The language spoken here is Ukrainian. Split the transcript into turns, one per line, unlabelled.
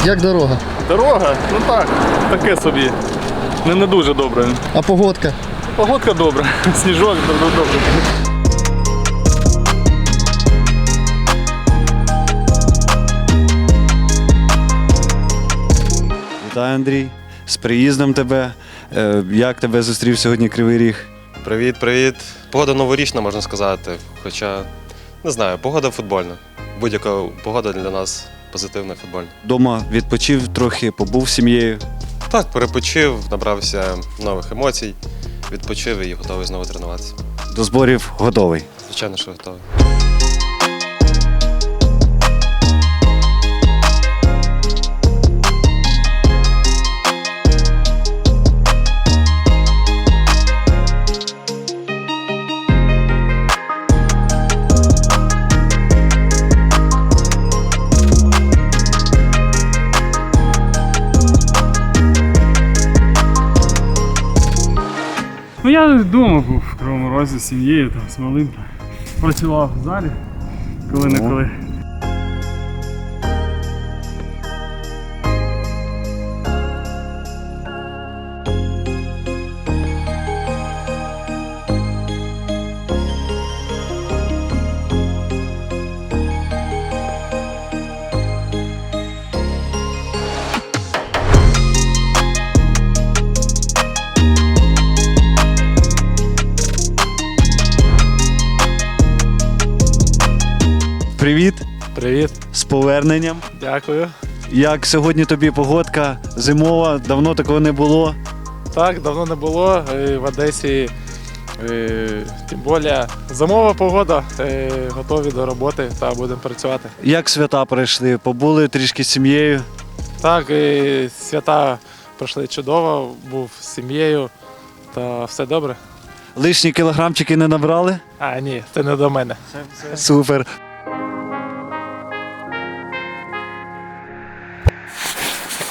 Як дорога?
Дорога? Ну так, таке собі. Не дуже добре.
А погодка?
Погодка добра, сніжок добре.
Вітаю, Андрій. З приїздом тебе. Як тебе зустрів сьогодні Кривий Ріг?
Привіт. Погода новорічна, можна сказати. Хоча, не знаю, погода футбольна. Будь-яка погода для нас позитивна футбольна.
Дома відпочив трохи, побув з сім'єю.
Так, перепочив, набрався нових емоцій, відпочив і готовий знову тренуватися.
До зборів готовий.
Звичайно, що готовий.
Ну я вдома був в Кривому Розі з сім'єю, там, з малим. Працював в залі, коли-неколи.
Привіт,
Привіт,
з поверненням.
дякую.
Як сьогодні тобі погодка зимова, давно такого не було.
Так, давно не було в Одесі, тим більше зимова погода, готові до роботи та будемо працювати.
Як свята пройшли? Побули трішки з сім'єю.
Так, свята пройшли чудово, був з сім'єю та все добре.
Лишні кілограмчики не набрали?
А, ні, це не до мене.
Супер.